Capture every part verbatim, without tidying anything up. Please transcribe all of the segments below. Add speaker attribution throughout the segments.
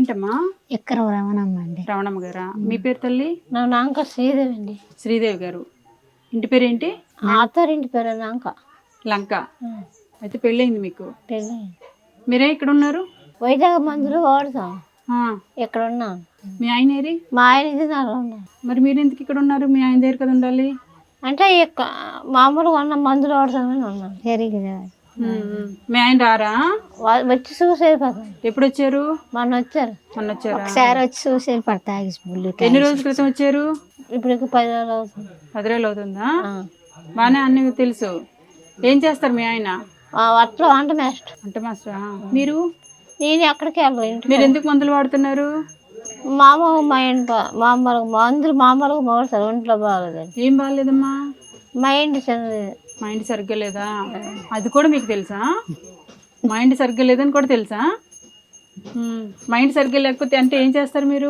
Speaker 1: పేరేంటమ్మా?
Speaker 2: ఎక్కడ రమణమ్మ అండి.
Speaker 1: రమణమ్మ గారా? మీ పేరు తల్లి?
Speaker 2: నా నాంక శ్రీదేవి అండి.
Speaker 1: శ్రీదేవి గారు. ఇంటి పేరేంటి?
Speaker 2: ఆతరింటి పేరు నాంక
Speaker 1: లంక. అయితే పెళ్ళయింది మీకు?
Speaker 2: పెళ్ళి.
Speaker 1: మీరే ఇక్కడ ఉన్నారు?
Speaker 2: వైజాగ్ మందులు వాడతాం.
Speaker 1: ఆ,
Speaker 2: ఇక్కడ ఉన్నాం.
Speaker 1: మీ ఆయన ఏరి?
Speaker 2: మా ఆయన ఇది నాలో ఉన్నాం.
Speaker 1: మరి మీరు ఎందుకు ఇక్కడ ఉన్నారు? మీ ఆయన దగ్గర కదా ఉండాలి.
Speaker 2: అంటే ఇక్క మామూలుగా ఉన్న మందులు వాడతామని ఉన్నాం. జరిగింది.
Speaker 1: మీ ఆయన రారా?
Speaker 2: వచ్చి చూసి వెళ్ళిపోతాం.
Speaker 1: ఎప్పుడు వచ్చారు?
Speaker 2: మొన్న వచ్చారు.
Speaker 1: మొన్న వచ్చారు.
Speaker 2: ఒకసారి వచ్చి చూసి వెళ్ళిపోతాయి.
Speaker 1: ఎన్ని రోజుల క్రితం వచ్చారు?
Speaker 2: ఇప్పుడు పది రోజులు అవుతుంది.
Speaker 1: పది రోజులు అవుతుందా? బాగానే అన్ని తెలుసు. ఏం చేస్తారు మీ ఆయన?
Speaker 2: అట్లా వంట మాస్టర్.
Speaker 1: వంట మాస్టరా? మీరు?
Speaker 2: నేను ఎక్కడికి వెళ్ళను.
Speaker 1: మీరు ఎందుకు మందులు వాడుతున్నారు?
Speaker 2: మామూలు మా ఇంట్లో మామూలుగా మందులు మామూలుగా వాడతారు. ఒంట్లో బాగలేదు.
Speaker 1: ఏం బాగాలేదమ్మా?
Speaker 2: మైండ్ చెంది
Speaker 1: మైండ్ సరిగ్గా లేదా? అది కూడా మీకు తెలుసా? మైండ్ సరిగ్గా లేదని కూడా తెలుసా? మైండ్ సరిగ్గా లేకపోతే అంటే ఏం చేస్తారు మీరు?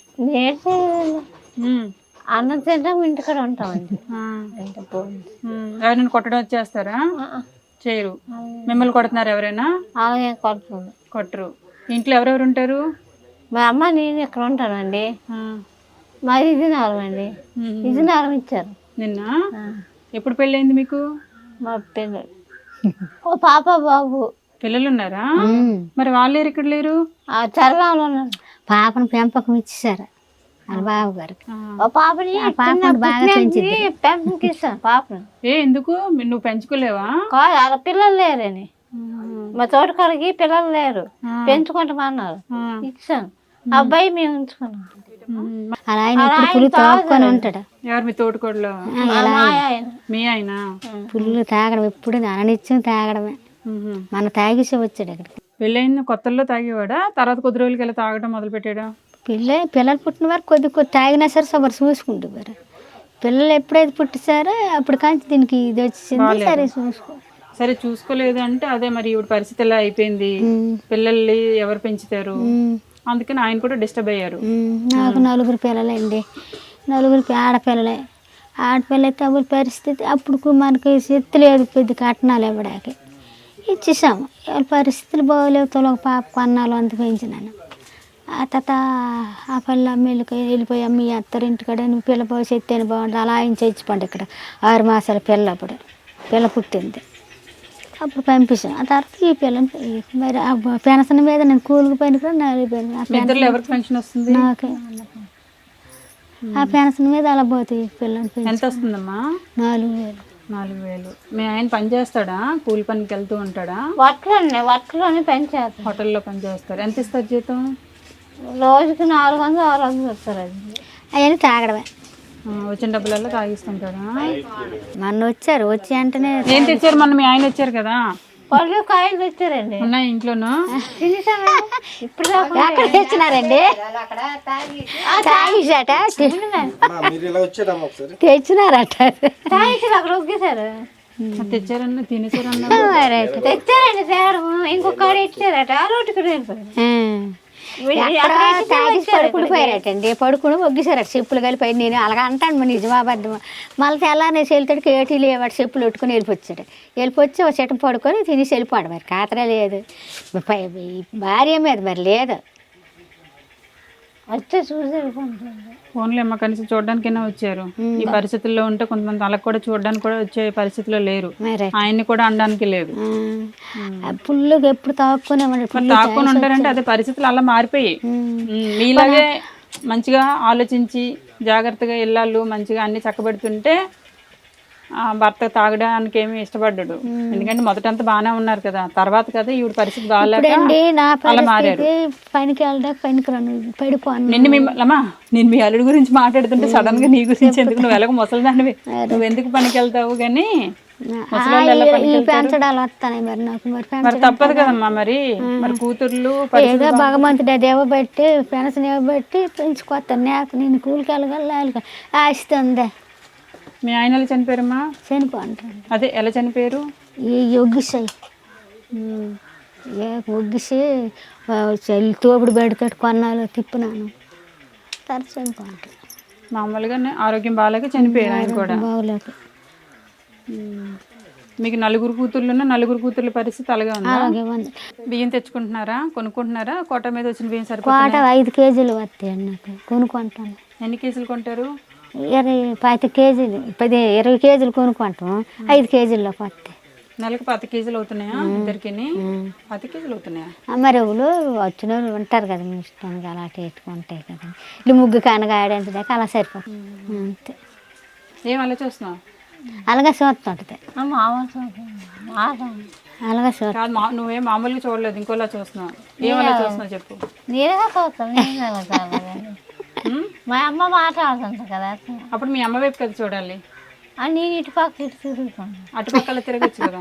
Speaker 2: అన్నం తింటాం, ఇంటికాడ ఉంటామండి.
Speaker 1: ఎవరైనా కొట్టడం వచ్చేస్తారా? చేయరు. మిమ్మల్ని కొడుతున్నారు ఎవరైనా?
Speaker 2: అలాగే కొడుతుంది.
Speaker 1: కొట్టరు. ఇంట్లో ఎవరెవరు ఉంటారు?
Speaker 2: మా అమ్మ నేను ఇక్కడ ఉంటానండి. మాది ఇది నారం అండి. ఇది నారం ఇచ్చారు
Speaker 1: నిన్న. ఎప్పుడు పెళ్ళయింది మీకు?
Speaker 2: మా పిల్లలు ఓ పాప బాబు.
Speaker 1: పిల్లలు ఉన్నారా? మరి వాళ్ళు ఇక్కడ లేరు?
Speaker 2: చరగాంలో ఉన్నారు. పాపను పెంపకం ఇచ్చేసారు వాళ్ళ బాబు గారికి. పాపని బాగా పెంపకం ఇస్తాను పాపను.
Speaker 1: ఏ ఎందుకు? నువ్వు పెంచుకోలేవా?
Speaker 2: వాళ్ళ పిల్లలు లేరని. మా తోటకాడికి పిల్లలు లేరు, పెంచుకుంటామన్నారు. ఇచ్చాను. అబ్బాయి మేము ఉంచుకున్నాం. అలా ఆయన పుల్లు తాగుకొని ఉంటాడు.
Speaker 1: ఎవరు మీ తోటకోడలో? మీ ఆయన
Speaker 2: పుల్లు తాగడం ఎప్పుడు అననిత్యం తాగడమే. మన తాగిసి వచ్చాడు అక్కడికి.
Speaker 1: పెళ్ళైన కొత్తల్లో తాగేవాడా? తర్వాత కొద్ది రోజులకి వెళ్ళి తాగడం మొదలు పెట్టాడా?
Speaker 2: పిల్ల పిల్లలు పుట్టిన వారు కొద్ది కొద్ది తాగినా సరే సబరు చూసుకుంటారు. పిల్లలు ఎప్పుడైతే పుట్టిసారో అప్పుడు కానీ దీనికి ఇది వచ్చింది. సరే చూసుకో
Speaker 1: సరే చూసుకోలేదు అంటే అదే మరి ఇప్పుడు పరిస్థితి ఎలా అయిపోయింది. పిల్లల్ని ఎవరు పెంచుతారు? అందుకని ఆయన కూడా డిస్టర్బ్ అయ్యారు.
Speaker 2: నాకు నలుగురు పిల్లలండి. నలుగురు ఆడపిల్లలే. ఆడపిల్ల అయితే అప్పుడు పరిస్థితి అప్పుడు మనకి శక్తి లేదు పెద్ద కట్నాలు ఇవ్వడానికి. ఇచ్చేసాము. వాళ్ళ పరిస్థితులు బాగోలేవు. తొలగ పాప కొన్నాళ్ళు అంత పెంచినాను. ఆ తర్వాత ఆ పిల్ల అమ్మకి వెళ్ళిపోయి అమ్మ అత్తరింటికాడ నువ్వు పిల్ల బాగు చెత్తేని బాగుంటుంది అలా ఆయన చచ్చిపోండి. ఇక్కడ ఆరు మాసాల పిల్ల అప్పుడు పిల్ల పుట్టింది. అప్పుడు పంపించాను. ఆ తర్వాత ఈ పిల్లని మరి ఆ పెన్షన్ మీద నేను కూలికి పని కూడా
Speaker 1: పెన్షన్
Speaker 2: నాకే. ఆ పెన్షన్ మీద అలా పోతాయి పిల్లని.
Speaker 1: ఎంత వస్తుందమ్మా?
Speaker 2: నాలుగు వేలు.
Speaker 1: నాలుగు వేలు. మీ ఆయన పని చేస్తాడా? కూలి పనికి వెళ్తూ ఉంటాడా?
Speaker 2: వట్లోనే వట్లోనే పని చేస్తారు.
Speaker 1: హోటల్లో పని చేస్తారు. ఎంత ఇస్తారు జీతం?
Speaker 2: రోజుకి నాలుగు వందలు ఆరు వందలు వస్తారు. అది అవన్నీ తాగడమే.
Speaker 1: వచ్చిన డబ్బులలో తాగిస్తుంటాడా?
Speaker 2: మొన్న వచ్చారు. వచ్చి వెంటనే
Speaker 1: ఏం తెచ్చారు? మొన్న మీ ఆయన వచ్చారు కదా,
Speaker 2: పళ్ళు కాయలు తెచ్చారండి.
Speaker 1: ఉన్నాయి ఇంట్లోనూ.
Speaker 2: ఇప్పుడు ఎక్కడ తెచ్చినారండి? తాగిసాట తెచ్చినారట. తాగిసారు అక్కడ ఒగ్గేశారు.
Speaker 1: తెచ్చారన్న తినేసారన్న
Speaker 2: తెచ్చారండి. తేడం ఇంకొక ఇచ్చారట. ఆ రోడ్డు కూడా వెళ్ళిపోయారు. పడుకుడిపోయారటండి. పడుకుని ఒగ్గిసారట. చెప్పులు కలిపి నేను అలాగ అంటాను. మరి నిజమాబద్దం. మళ్ళీ తెల్లారి వెళ్తాడికి ఏటీ లేవాడు. చెప్పులు పెట్టుకుని వెళ్ళిపోచ్చాడు. వెళ్ళిపోచ్చి ఒక చెట్టు పడుకొని తినేసి వెళ్ళిపోయాడు. మరి కాతరే లేదు భార్య మీద మరి లేదు. వచ్చే చూసి
Speaker 1: ఫోన్లో అమ్మ కనీసం చూడడానికైనా వచ్చారు. ఈ పరిస్థితుల్లో ఉంటే కొంతమంది వాళ్ళకి కూడా చూడడానికి కూడా వచ్చే పరిస్థితిలో లేరు. ఆయన్ని కూడా అనడానికి లేదు.
Speaker 2: పుల్లుగా ఎప్పుడు తాక్కునే
Speaker 1: తాక్కుని ఉంటారంటే అదే పరిస్థితులు అలా మారిపోయి. మీలాగే మంచిగా ఆలోచించి జాగ్రత్తగా ఇల్లాలు మంచిగా అన్ని చక్కబెడుతుంటే భర్త తాగడానికి ఏమి ఇష్టపడ్డాడు. ఎందుకంటే మొదటంతా బాగానే ఉన్నారు కదా, తర్వాత కదా ఈవిడ పరిస్థితి బాగాలేక అలా మారారు.
Speaker 2: పనికి వెళ్ళడానికి పనికి పడిపోను.
Speaker 1: నిన్ను మిమ్మల్ని నేను మీ అల్లుడి గురించి మాట్లాడుతుంటే సడన్ గా నీ గురించి ఎందుకు, నువ్వు ఎలాగో ముసలిదానివి, నువ్వు ఎందుకు పనికి వెళ్తావు కానీ
Speaker 2: పెంచడాలు వస్తాయి. మరి నాకు
Speaker 1: మరి తప్పదు కదమ్మా. మరి మరి కూతుర్లు
Speaker 2: ఏదో భగవంతుడు అది ఇవ్వబట్టి పెన్షన్ ఇవ్వబట్టి పెంచుకొస్తాను. నాకు నేను కూలికి వెళ్ళగల ఆస్తుంది.
Speaker 1: మీ ఆయన ఎలా చనిపోయారమ్మా?
Speaker 2: చనిపోంటారు.
Speaker 1: అదే ఎలా చనిపోయారు?
Speaker 2: ఈ ఒగ్గిసాయి ఒగ్గిసి తోపుడు బయటతో కొన్నాళ్ళు తిప్పినాను. తర్వాత చనిపోంటారు.
Speaker 1: మామూలుగానే ఆరోగ్యం బాగాలేక చనిపోయారు ఆయన కూడా.
Speaker 2: బాగోలేక
Speaker 1: మీకు నలుగురు కూతుర్లున్న నలుగురు కూతుర్ల పరిస్థితి అలాగే ఉందా?
Speaker 2: అలాగే ఉంది.
Speaker 1: బియ్యం తెచ్చుకుంటున్నారా, కొనుక్కుంటున్నారా? కోట మీద వచ్చిన బియ్యం
Speaker 2: కోట
Speaker 1: సరిపోతుందా?
Speaker 2: ఐదు కేజీలు వస్తాయండి నాకు, కొనుక్కుంటాను.
Speaker 1: ఎన్ని కేజీలు కొంటారు?
Speaker 2: ఇరవై పది కేజీలు పది ఇరవై కేజీలు కొనుక్కుంటాం, ఐదు కేజీల్లోకి వస్తాయి.
Speaker 1: నెలకు పది కేజీలు అవుతున్నాయా ఇద్దరికి? పది కేజీలు అవుతున్నాయా?
Speaker 2: మరి ఎవరు వచ్చిన వాళ్ళు ఉంటారు కదా, మీ ఇష్టానికి అలా పెట్టుకుంటాయి కదా. ఇల్లు ముగ్గు కనగాడంటే దాకా అలా సరిపోతుంది అంతే.
Speaker 1: ఏం అలా చూస్తున్నావు?
Speaker 2: అలాగే చూస్తుంటుంది, అలాగే చూస్తా.
Speaker 1: కాదు, మా నువ్వేం మామూలుగా చూడలేదు, ఇంకోలా చూస్తున్నావు. ఏం అలా చూస్తున్నావు చెప్పు.
Speaker 3: నేరుగా చూస్తాను.
Speaker 1: ఉం?
Speaker 3: మా అమ్మ మాట్లాడుతుంది కదా,
Speaker 1: అప్పుడు మీ అమ్మ వైపు కదా చూడాలి.
Speaker 3: అని నేను ఇటు పక్క ఇటు తిరుగుతాను.
Speaker 1: అటుపక్కల తిరగచ్చు కదా.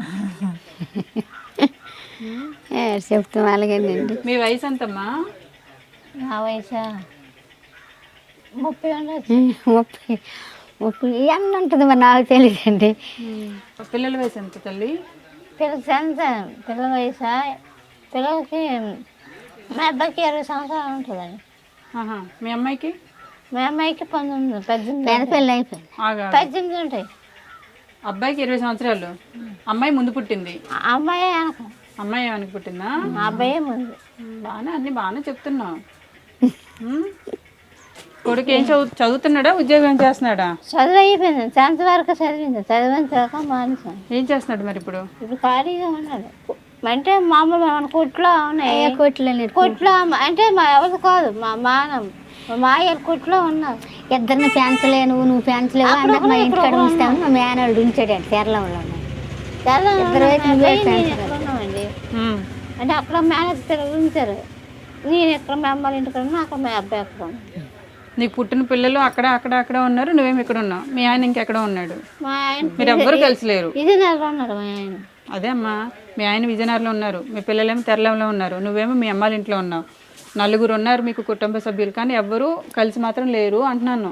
Speaker 2: చెప్తాం అలాగేనండి.
Speaker 1: మీ వయసు ఎంతమ్మా?
Speaker 3: నా వయసు ముప్పై ఉండదు.
Speaker 2: ముప్పై ముప్పై ఎన్న ఉంటుంది మరి నాకు తెలియదండి.
Speaker 1: పిల్లల వయసు ఎంత తల్లి?
Speaker 3: పిల్లలకి ఎంత పిల్లల వయసు? పిల్లలకి మా అబ్బాయికి ఇరవై సంవత్సరాలు ఉంటుందండి.
Speaker 1: ఆహా. మీ అమ్మాయికి?
Speaker 3: మా అమ్మాయికి పంతొమ్మిది పద్దెనిమిది
Speaker 2: పెద్ద పెళ్ళి అయిపోయింది.
Speaker 1: ఆగా.
Speaker 3: పద్దెనిమిది ఉంటాయి.
Speaker 1: అబ్బాయికి ఇరవై సంవత్సరాలు, అమ్మాయి ముందు పుట్టింది.
Speaker 3: ఆ అమ్మాయి వెనక,
Speaker 1: అమ్మాయి వెనక పుట్టిందా?
Speaker 3: మా అబ్బాయే ముందు.
Speaker 1: బాగానే అన్ని బాగానే చెప్తున్నావు. ఉం? కొడుకు ఏం చదువు చదువుతున్నాడా, ఉద్యోగం ఏం చేస్తున్నాడా?
Speaker 3: చదువు అయిపోయింది, టెన్త్ వరకు చదివింది. చదివిన తర్వాత మానేసాను.
Speaker 1: ఏం చేస్తున్నాడు మరి ఇప్పుడు?
Speaker 3: ఇప్పుడు ఖాళీగా ఉన్నాడు. అంటే మామూలు మన కొట్లో ఉన్నాయి,
Speaker 2: కొట్లో
Speaker 3: కొట్లో అంటే మా ఎవరు కాదు, మా మానం మా మాయల కొట్లో ఉన్నారు.
Speaker 2: ఇద్దరిని పెంచలేను, నువ్వు పెంచలేవు అన్నది మా ఇంటికాడ ఉంచుతాను. మా మేనల్లుడు ఉంచాడు తెరలంలో. ఇద్దరు వైపు నువ్వే పెంచగలవు.
Speaker 3: ఉన్నామండి.
Speaker 1: ఉం.
Speaker 3: అంటే అక్కడ మేనేజ్ ఉంచారు. నేను ఎక్కడ మా అమ్మాయి ఇంటికి ఉన్నా, అక్కడ మా అబ్బాయి అక్కడ ఉన్నాడు.
Speaker 1: నీకు పుట్టిన పిల్లలు అక్కడ అక్కడ అక్కడ ఉన్నారు, నువ్వేమి ఇక్కడ ఉన్నావు. మీ ఆయన ఇంకెక్కడ ఉన్నాడు?
Speaker 3: మా ఆయన
Speaker 1: మీరు ఎవ్వరు కలిసి లేరు.
Speaker 3: ఇది నెల ఉన్నాడు మా ఆయన.
Speaker 1: అదే అమ్మా, మీ ఆయన విజయనగరంలో ఉన్నారు, మీ పిల్లలేమో తెరలంలో ఉన్నారు, నువ్వేమో మీ అమ్మాళ్ళ ఇంట్లో ఉన్నావు. నలుగురు ఉన్నారు మీకు కుటుంబ సభ్యులు, కానీ ఎవ్వరూ కలిసి మాత్రం లేరు అంటున్నాను.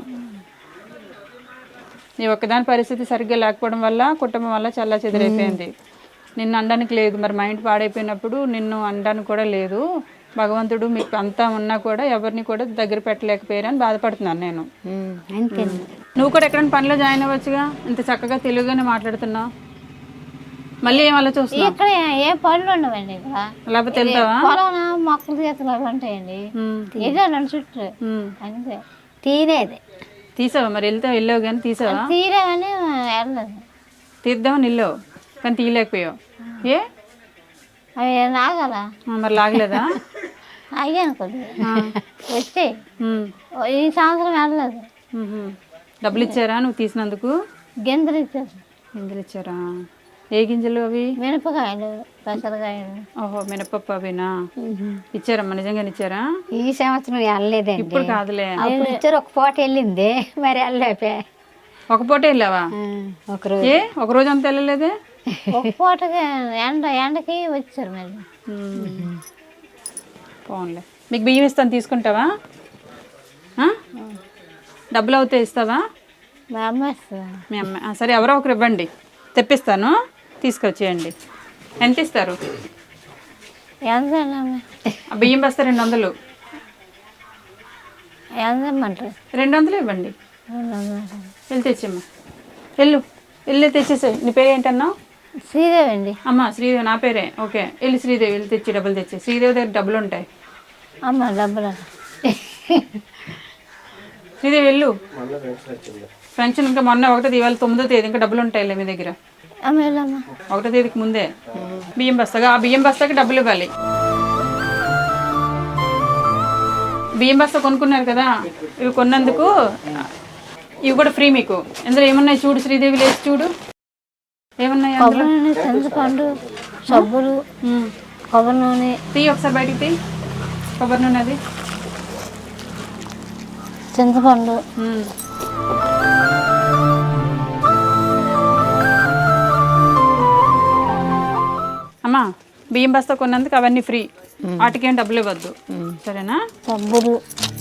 Speaker 1: నీ ఒక్కదాని పరిస్థితి సరిగ్గా లేకపోవడం వల్ల కుటుంబం వల్ల చాలా చెదిరైపోయింది. నిన్ను అనడానికి లేదు, మరి మైండ్ పాడైపోయినప్పుడు నిన్ను అనడానికి కూడా లేదు. భగవంతుడు మీకు అంతా ఉన్నా కూడా ఎవరిని కూడా దగ్గర పెట్టలేకపోయారని బాధపడుతున్నాను నేను.
Speaker 2: అంతే.
Speaker 1: నువ్వు కూడా ఎక్కడైనా పనిలో జాయిన్ అవ్వచ్చుగా, ఇంత చక్కగా తెలుగుగానే మాట్లాడుతున్నావు. మళ్ళీ ఏం అలా చూస్తున్నావు?
Speaker 3: ఇక్కడ ఏ పనులు ఉండవండి. ఇక్కడ
Speaker 1: లేకపోతే వెళ్తావా?
Speaker 3: పొలం మొక్కలు చేతులు అవి ఉంటాయండి. వెళ్ళాను చుట్టూ అంతే.
Speaker 2: తీరేది
Speaker 1: తీసావా మరి? వెళ్తే వెళ్ళావు కానీ తీసావా?
Speaker 3: తీరేమని వెళ్ళలేదు.
Speaker 1: తీద్దామని వెళ్ళావు కానీ తీయలేకపోయావు. ఏ
Speaker 3: అవి నాగల
Speaker 1: మరి లాగలేదా?
Speaker 3: అయ్యాను కొద్దిగా వచ్చి
Speaker 1: ఉమ్.
Speaker 3: ఈ సంవత్సరం వెళ్ళలేదు.
Speaker 1: ఉహు. డబ్బులు ఇచ్చారా నువ్వు తీసినందుకు?
Speaker 3: గింజలు ఇచ్చారు.
Speaker 1: గింజలు ఇచ్చారా? ఏ గింజలు అవి?
Speaker 3: మినపకాయలు, పెసరకాయలు.
Speaker 1: ఓహో, మినపప్పు అవినా? ఇచ్చారమ్మా, నిజంగానే ఇచ్చారా?
Speaker 2: ఈ సంవత్సరం వెళ్ళలేదండి.
Speaker 1: ఇప్పుడు కాదులే,
Speaker 2: అప్పుడు ఇచ్చారు. ఒక పూట వెళ్ళింది, మరి వెళ్ళలేపే.
Speaker 1: ఒక పూట వెళ్ళావా?
Speaker 2: ఒకరోజు.
Speaker 1: ఏ ఒక రోజు అంతా వెళ్ళలేదే?
Speaker 3: ఒక పూటకి ఎండ ఎండకి వచ్చారు మళ్ళీ.
Speaker 1: పోన్లే. మీకు బియ్యం ఇస్తాను, తీసుకుంటావా? ఆ? డబ్బులు అవుతే ఇస్తావా?
Speaker 3: మా అమ్మ ఇస్తుంది.
Speaker 1: మీ అమ్మ ఆ, సరే, ఎవరో ఒకరు ఇవ్వండి, తెప్పిస్తాను, తీసుకొచ్చేయండి. ఎంత ఇస్తారు?
Speaker 3: ఎంత
Speaker 1: ఆ బియ్యం బస్తా రెండు వందలు.
Speaker 3: ఎంత ఇమ్మంటారు?
Speaker 1: రెండు వందలు ఇవ్వండి. వెళ్ళి తెచ్చమ్మా, వెళ్ళు వెళ్ళి తెచ్చేసాయి. నీ పేరు ఏంటన్నావు?
Speaker 3: శ్రీదేవి అండి.
Speaker 1: అమ్మ శ్రీదేవి, నా పేరే. ఓకే, వెళ్ళి శ్రీదేవి వెళ్ళి తెచ్చి డబ్బులు తెచ్చి. శ్రీదేవి దగ్గర డబ్బులు ఉంటాయి.
Speaker 3: అమ్మ డబ్బులు
Speaker 1: శ్రీదేవి వెళ్ళు. పెన్షన్ ఇంకా మొన్న ఒకటో ఇవాళ తొమ్మిదో తేదీ, ఇంకా డబ్బులు ఉంటాయిలే మీ దగ్గర.
Speaker 3: అమ్మ వెళ్ళమ్మా.
Speaker 1: ఒకటో తేదీకి ముందే బియ్యం బస్తాగా, ఆ బియ్యం బస్తాకి డబ్బులు ఇవ్వాలి. బియ్యం బస్తా కొనుక్కున్నారు కదా, ఇవి కొన్నందుకు ఇవి కూడా ఫ్రీ మీకు. ఇందులో ఏమున్నాయి చూడు శ్రీదేవి, లేచి చూడు ఏమున్నాయి అందులో.
Speaker 3: కొబ్బరి నూనె, చింతపండు, సబ్బులు, కొబ్బరి నూనె.
Speaker 1: తీ ఒకసారి బయటికి తీ కొబ్బరి నూనె, అది
Speaker 3: చింతపండు.
Speaker 1: అమ్మా, బియ్యం బస్తా కొన్నందుకు అవన్నీ ఫ్రీ, వాటికేం డబ్బులు ఇవ్వద్దు, సరేనా?
Speaker 3: సబ్బులు.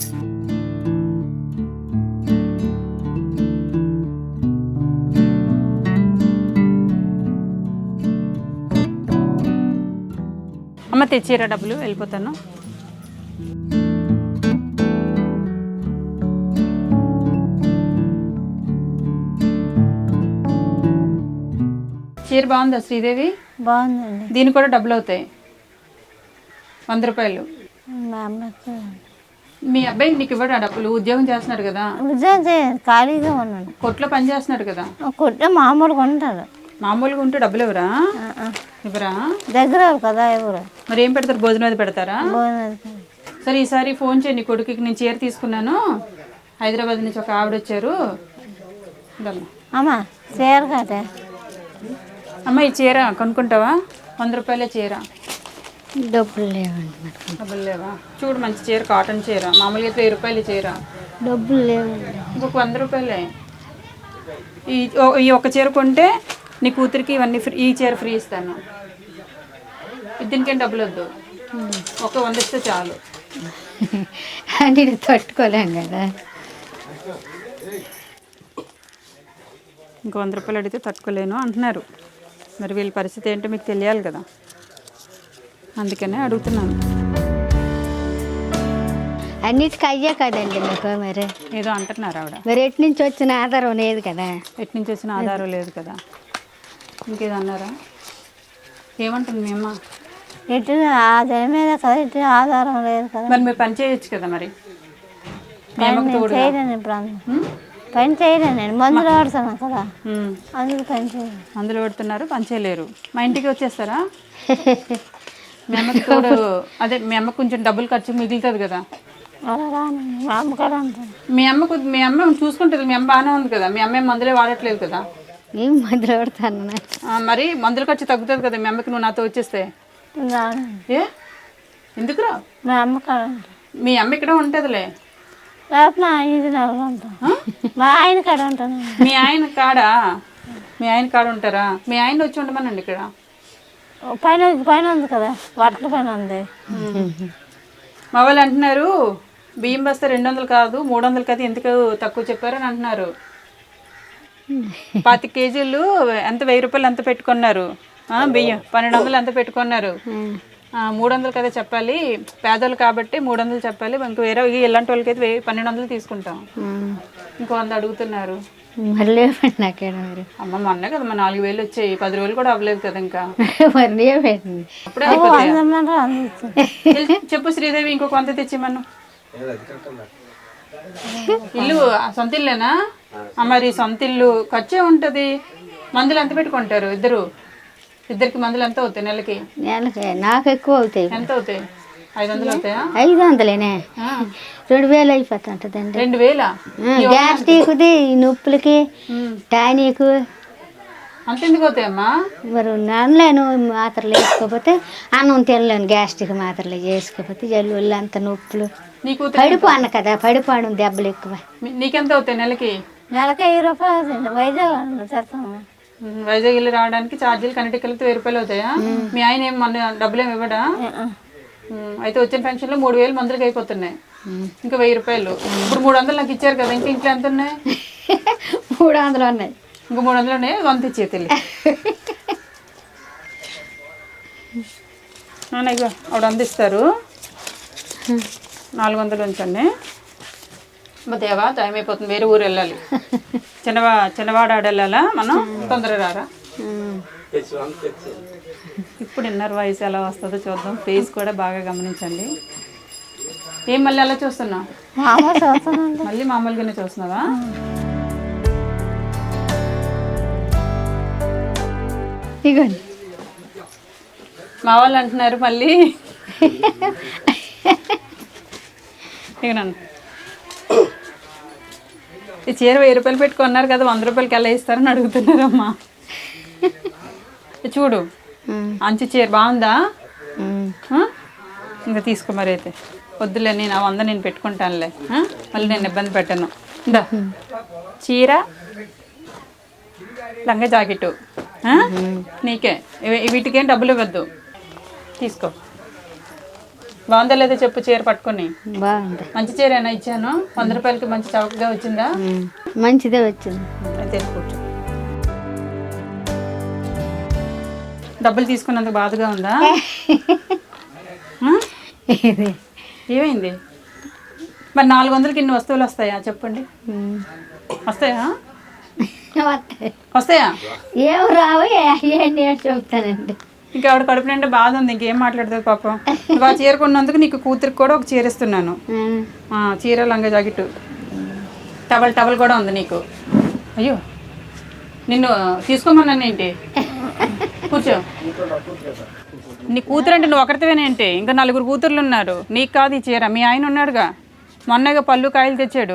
Speaker 1: అమ్మ తెచ్చిరా డబ్బులు, వెళ్ళిపోతాను. చీర బాగుందా శ్రీదేవి?
Speaker 3: బాగుందండి.
Speaker 1: దీనికి కూడా డబ్బులు అవుతాయి, వంద రూపాయలు.
Speaker 3: మా అమ్మకి
Speaker 1: మీ అబ్బాయి నీకు ఇవ్వడా డబ్బులు? ఉద్యోగం చేస్తున్నాడు కదా,
Speaker 3: ఉద్యోగం చేయాలి, ఖాళీగా ఉన్నాడు.
Speaker 1: కొట్లో పని చేస్తున్నాడు కదా.
Speaker 3: కొట్టే మామూలుగా ఉంటాడు.
Speaker 1: మామూలుగా ఉంటే డబ్బులు ఎవరా? ఇవ్వరా?
Speaker 3: దగ్గర కదా ఎవరు.
Speaker 1: మరి ఏం పెడతారు? భోజనం అది పెడతారా?
Speaker 3: భోజనం.
Speaker 1: సరే ఈసారి ఫోన్ చేయండి కొడుకుకి, నేను చీర తీసుకున్నాను, హైదరాబాద్ నుంచి ఒక ఆవిడ వచ్చారు.
Speaker 3: అమ్మా చీర కట్టే.
Speaker 1: అమ్మ ఈ చీర కొనుక్కుంటావా? వంద రూపాయలే చీర.
Speaker 2: డబ్బులు లేవండి.
Speaker 1: డబ్బులు లేవా? చూడు మంచి చీర, కాటన్ చీర, మామూలుగా అయితే వెయ్యి రూపాయలు చీర.
Speaker 2: డబ్బులు లేవండి.
Speaker 1: ఇంకొక వంద రూపాయలే. ఈ ఈ ఒక్క చీర కొంటే నీ కూతురికి ఇవన్నీ ఫ్రీ, ఈ చీర ఫ్రీ ఇస్తాను. దీనికేం డబ్బులు వద్దు, ఒక వంద ఇస్తే చాలు.
Speaker 2: అంటే తట్టుకోలేం కదా.
Speaker 1: ఇంకో వంద రూపాయలు అడిగితే తట్టుకోలేను అంటున్నారు. మరి వీళ్ళ పరిస్థితి ఏంటో మీకు తెలియాలి కదా, అందుకనే అడుగుతున్నాను.
Speaker 2: అన్నిటికీ అయ్యే కదండి నాకు. మరి
Speaker 1: ఏదో అంటున్నారు ఆవిడ.
Speaker 2: మరి ఎటు నుంచి వచ్చిన ఆధారం లేదు కదా.
Speaker 1: ఎటు నుంచి వచ్చిన ఆధారం లేదు కదా. ఇంకేదో అన్నారా? ఏమంటుంది మీ అమ్మ?
Speaker 3: ఎటు ఆధారం మీద కదా, ఎటు ఆధారం లేదు కదా.
Speaker 1: మరి మీరు పని చేయొచ్చు కదా. మరి మీ అమ్మకు తోడు
Speaker 3: చేయలేను, ఇప్పుడు పని చేయలేను, నేను మందులు వాడుతున్నాను కదా, అందుకు పని చేయను.
Speaker 1: మందులు పడుతున్నారు, పని చేయలేరు. మా ఇంటికి వచ్చేస్తారా? మీ అమ్మకి తోడు, అదే మీ అమ్మకు కొంచెం డబ్బులు ఖర్చు మిగులుతుంది కదా.
Speaker 3: అలా రాను, మా అమ్మ కదా అంటాను.
Speaker 1: మీ అమ్మకు మీ అమ్మ చూసుకుంటుంది, మీ అమ్మ బాగానే ఉంది కదా, మీ అమ్మ మందులే వాడట్లేదు కదా.
Speaker 2: ఏం మందులు వాడతాను.
Speaker 1: మరి మందుల ఖర్చు తగ్గుతుంది కదా మీ అమ్మకి నువ్వు నాతో వచ్చేస్తే.
Speaker 3: రాను.
Speaker 1: ఏ ఎందుకు రా?
Speaker 3: మా అమ్మ కాడ
Speaker 1: మీ అమ్మ ఇక్కడ ఉంటుందిలే.
Speaker 3: లేకపోతే మా ఇది నెలలు ఉంటాను, మా ఆయన కాడ ఉంటాను.
Speaker 1: మీ ఆయన కాడా? మీ ఆయన కాడ ఉంటారా? మీ ఆయన వచ్చి ఉండమనండి ఇక్కడ.
Speaker 3: పైన పైన ఉంది కదా, వడ్ల పైన ఉంది.
Speaker 1: మా వాళ్ళు అంటున్నారు బియ్యం బస్తా రెండు వందలు కాదు మూడు వందలు కాదు, ఎందుకు తక్కువ చెప్పారని అంటున్నారు. పది కేజీలు ఎంత, వెయ్యి రూపాయలు ఎంత పెట్టుకున్నారు బియ్యం, పన్నెండు వందలు ఎంత పెట్టుకున్నారు. మూడు వందలు కదా చెప్పాలి, పేదలు కాబట్టి మూడు వందలు చెప్పాలి. ఇంక వేరే ఇలాంటి వాళ్ళకి అయితే వెయ్యి పన్నెండు వందలు తీసుకుంటాం. ఇంకో వంద అడుగుతున్నారు.
Speaker 2: మళ్ళీ నాకేడ మరి
Speaker 1: అమ్మ మొన్న కదా మా నాలుగు వేలు వచ్చాయి, పది రోజులు కూడా అవ్వలేదు కదా ఇంకా.
Speaker 2: మరి పెట్టింది
Speaker 1: అప్పుడే అయిపోతాయి. చెప్పు శ్రీదేవి, ఇంకొక వంద తెచ్చిమను. ఇల్లు సొంత ఇల్లేనా? మరి సొంత ఇల్లు ఖర్చే ఉంటుంది. మందులు ఎంత పెట్టుకుంటారు ఇద్దరు? ఇద్దరికి మందులు ఎంత అవుతాయి నెలకి?
Speaker 2: నెలకి నాకు ఎక్కువ అవుతాయి.
Speaker 1: ఎంత అవుతాయి? ఐదు వందలు అవుతాయా?
Speaker 2: ఐదు వందలేనే, రెండు వేలు అయిపోతుంటదండి.
Speaker 1: రెండు వేల
Speaker 2: గ్యాస్ట్రిక్ది, నొప్పులకి, టానిక్
Speaker 1: అంత ఎందుకు అవుతాయమ్మా?
Speaker 2: మరి అనలేను మాత్రలు వేసుకోకపోతే, అన్నం తినలేను గ్యాస్ట్రిక్ మాత్రలు వేసుకోకపోతే, జల్లు అంత నొప్పులు.
Speaker 1: నీకు
Speaker 2: పడిపోను కదా, పడిపోను దెబ్బలు ఎక్కువ.
Speaker 1: నీకెంత అవుతాయి నెలకి?
Speaker 3: నెలకి వెయ్యి రూపాయలు అవుతుంది. వైజాగ్ చేస్తాము.
Speaker 1: వైజాగ్ వెళ్ళి రావడానికి ఛార్జీలు కనెక్ట్ కలిపితే వెయ్యి రూపాయలు అవుతాయా? మీ ఆయన ఏం మన డబ్బులు ఏమి ఇవ్వడా? అయితే వచ్చిన పెన్షన్లో మూడు వేలు మందులకి అయిపోతున్నాయి, ఇంకా వెయ్యి రూపాయలు. ఇప్పుడు మూడు వందలు నాకు ఇచ్చారు కదా, ఇంకా ఇంట్లో ఎంత ఉన్నాయి?
Speaker 2: మూడు వందలు ఉన్నాయి.
Speaker 1: ఇంకా మూడు వందలు ఉన్నాయి, వంద ఇచ్చే తెలి ఇగో ఆవిడ అందిస్తారు. నాలుగు వందలు ఉంచండి. మా దేవా టైం అయిపోతుంది, వేరే ఊరు వెళ్ళాలి. చిన్నవా చిన్నవాడ ఆడ వెళ్ళాలా మనం, తొందరగా రారా. ఇప్పుడు ఇన్నర్ వాయిస్ ఎలా వస్తుందో చూద్దాం, ఫేస్ కూడా బాగా గమనించండి. ఏం మళ్ళీ అలా చూస్తున్నావు? మళ్ళీ మామూలుగానే చూస్తున్నావా?
Speaker 2: ఇగోండి
Speaker 1: మా వాళ్ళు అంటున్నారు మళ్ళీ ఇగనండి, ఈ చీర వెయ్యి రూపాయలు పెట్టుకున్నారు కదా, వంద రూపాయలకి ఎలా ఇస్తారని అడుగుతున్నారమ్మా. చూడు అంచు చీర బాగుందా? ఇంకా తీసుకో మరి. అయితే వద్దులే, నేను ఆ వంద నేను పెట్టుకుంటానులే, మళ్ళీ నేను ఇబ్బంది పెట్టను. దా చీర, లంగా జాకెట్ నీకే, వీటికేం డబ్బులు ఇవ్వద్దు, తీసుకో. బాగుందా లేదా చెప్పు చీర పట్టుకొని.
Speaker 2: బాగుంది,
Speaker 1: మంచి చీరేనా ఇచ్చాను? వంద రూపాయలకి మంచి చౌకగా వచ్చిందా?
Speaker 2: మంచిదే వచ్చింది.
Speaker 1: అయితే కూర్చో. డబ్బులు తీసుకున్నందుకు బాధగా ఉందా? ఏమైంది? మరి నాలుగు వందలకి ఇన్ని వస్తువులు వస్తాయా చెప్పండి? వస్తాయా?
Speaker 2: వస్తాయి.
Speaker 1: వస్తాయా?
Speaker 2: ఏం రావు ఏంటి అని చెప్తానండి.
Speaker 1: ఇంకా ఆవిడ కడుపు నిండా బాధ ఉంది, ఇంకేం మాట్లాడుతుంది పాపం. నువ్వు ఆ చీర కొన్నందుకు నీకు కూతురికి కూడా ఒక చీర ఇస్తున్నాను. ఆ, చీర లంగా జాకెట్ టవల్ టవల్ కూడా ఉంది నీకు. అయ్యో నిన్ను తీసుకోమన్నాను ఏంటి? కూర్చో. నీ కూతురు అంటే నువ్వు ఒకరితేనేంటి? ఇంకా నలుగురు కూతుర్లు ఉన్నారు. నీకు కాదు ఈ చీర, మీ ఆయన ఉన్నాడుగా, మొన్నగా పళ్ళు కాయలు తెచ్చాడు.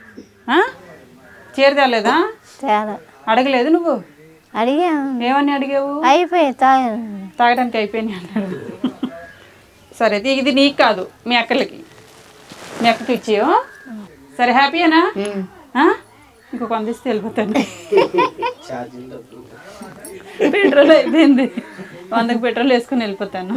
Speaker 1: చీర తేలేదా? అడగలేదు నువ్వు?
Speaker 3: అడిగా.
Speaker 1: ఏమని అడిగావు?
Speaker 3: అయిపోయి తాగ
Speaker 1: తాగడానికి అయిపోయినాయి అన్నాడు. సరే ఇది నీకు కాదు, మీ అక్కలకి, మీ అక్కకి ఇచ్చేయో. సరే హ్యాపీయేనా? ఇంకొక అందిస్తే వెళ్ళిపోతాను. పెట్రోల్ అయిపోయింది, వందకు పెట్రోల్ వేసుకుని వెళ్ళిపోతాను.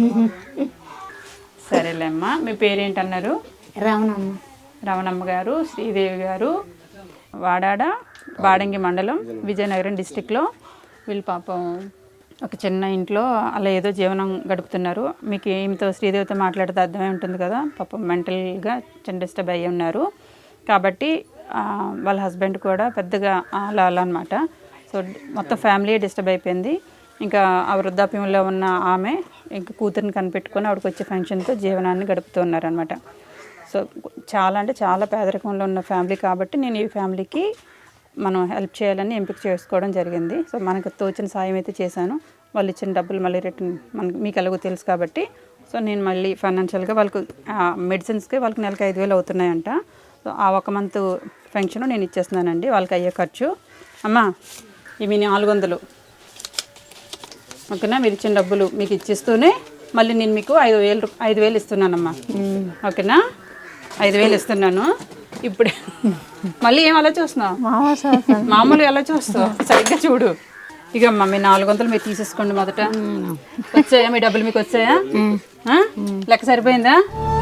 Speaker 1: సరేలేమ్మా. మీ పేరేంటన్నారు?
Speaker 2: రమణమ్మ.
Speaker 1: రమణమ్మ గారు, శ్రీదేవి గారు, వాడాడ బాడంగి మండలం, విజయనగరం డిస్టిక్లో. వీళ్ళు పాపం ఒక చిన్న ఇంట్లో అలా ఏదో జీవనం గడుపుతున్నారు. మీకు ఏమితో శ్రీదేవితో మాట్లాడితే అర్థమై ఉంటుంది కదా. పాపం మెంటల్గా చిన్న డిస్టర్బ్ అయ్యి ఉన్నారు. కాబట్టి వాళ్ళ హస్బెండ్ కూడా పెద్దగా అలా అలా అనమాట. సో మొత్తం ఫ్యామిలీ డిస్టర్బ్ అయిపోయింది. ఇంకా ఆ వృద్ధాప్యంలో ఉన్న ఆమె ఇంకా కూతురిని కనిపెట్టుకొని ఆవిడకి వచ్చే ఫంక్షన్తో జీవనాన్ని గడుపుతూ ఉన్నారనమాట. సో చాలా అంటే చాలా పేదరికంలో ఉన్న ఫ్యామిలీ కాబట్టి నేను ఈ ఫ్యామిలీకి మనం హెల్ప్ చేయాలని ఎంపిక చేసుకోవడం జరిగింది. సో మనకు తోచిన సాయం అయితే చేశాను. వాళ్ళు ఇచ్చిన డబ్బులు మళ్ళీ రిటర్న్ మనకు మీకు ఎలాగో తెలుసు కాబట్టి, సో నేను మళ్ళీ ఫైనాన్షియల్గా వాళ్ళకు మెడిసిన్స్కి వాళ్ళకి నెలకి ఐదు వేలు అవుతున్నాయంట. సో ఆ ఒక మంత్ ఫంక్షన్ నేను ఇచ్చేస్తున్నానండి వాళ్ళకి అయ్యే ఖర్చు. అమ్మా ఇవి నాలుగు వందలు ఓకేనా? మీరు ఇచ్చిన డబ్బులు మీకు ఇచ్చిస్తూనే మళ్ళీ నేను మీకు ఐదు వేలు ఐదు వేలు ఇస్తున్నానమ్మా. ఓకేనా? ఐదు వేలు ఇస్తున్నాను. ఇప్పుడే మళ్ళీ ఏం అలా చూస్తున్నావు? మామూలుగా ఎలా చూస్తావు? సరిగ్గా చూడు. ఇక అమ్మా మీ నాలుగు వందలు మీరు తీసేసుకోండి. మొదట వచ్చాయా మీ డబ్బులు? మీకు వచ్చాయా? లెక్క సరిపోయిందా?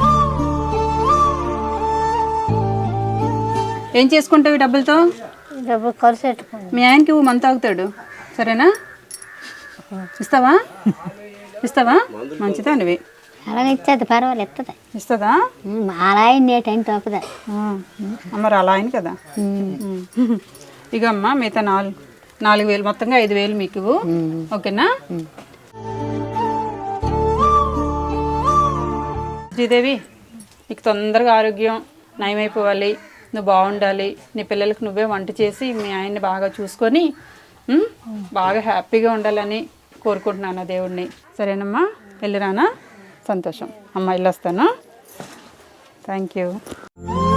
Speaker 1: ఏం చేసుకుంటావు ఈ డబ్బులతో?
Speaker 3: డబ్బులు ఖర్చు పెట్టుకోండి.
Speaker 1: మీ ఆయనకి మంత్ తాగుతాడు, సరేనా? ఇస్తావా? ఇస్తావా? మంచిదా నువ్వు?
Speaker 2: అలాగే ఇచ్చేది పర్వాలేదు, ఇస్తుంది.
Speaker 1: ఇస్తుందా?
Speaker 2: అలా అయింది ఏ టైం తప్పదా.
Speaker 1: మరి అలా అయింది కదా. ఇక అమ్మ మిగతా నాలుగు నాలుగు వేలు మొత్తంగా ఐదు వేలు మీకు. ఓకేనా? శ్రీదేవి నీకు తొందరగా ఆరోగ్యం నయమైపోవాలి, నువ్వు బాగుండాలి, నీ పిల్లలకు నువ్వే వంట చేసి మీ ఆయన్ని బాగా చూసుకొని బాగా హ్యాపీగా ఉండాలని కోరుకుంటున్నాను దేవుడిని. సరేనమ్మా, వెళ్ళిరానా? సంతోషం అమ్మ, వెళ్ళొస్తాను. Thank you.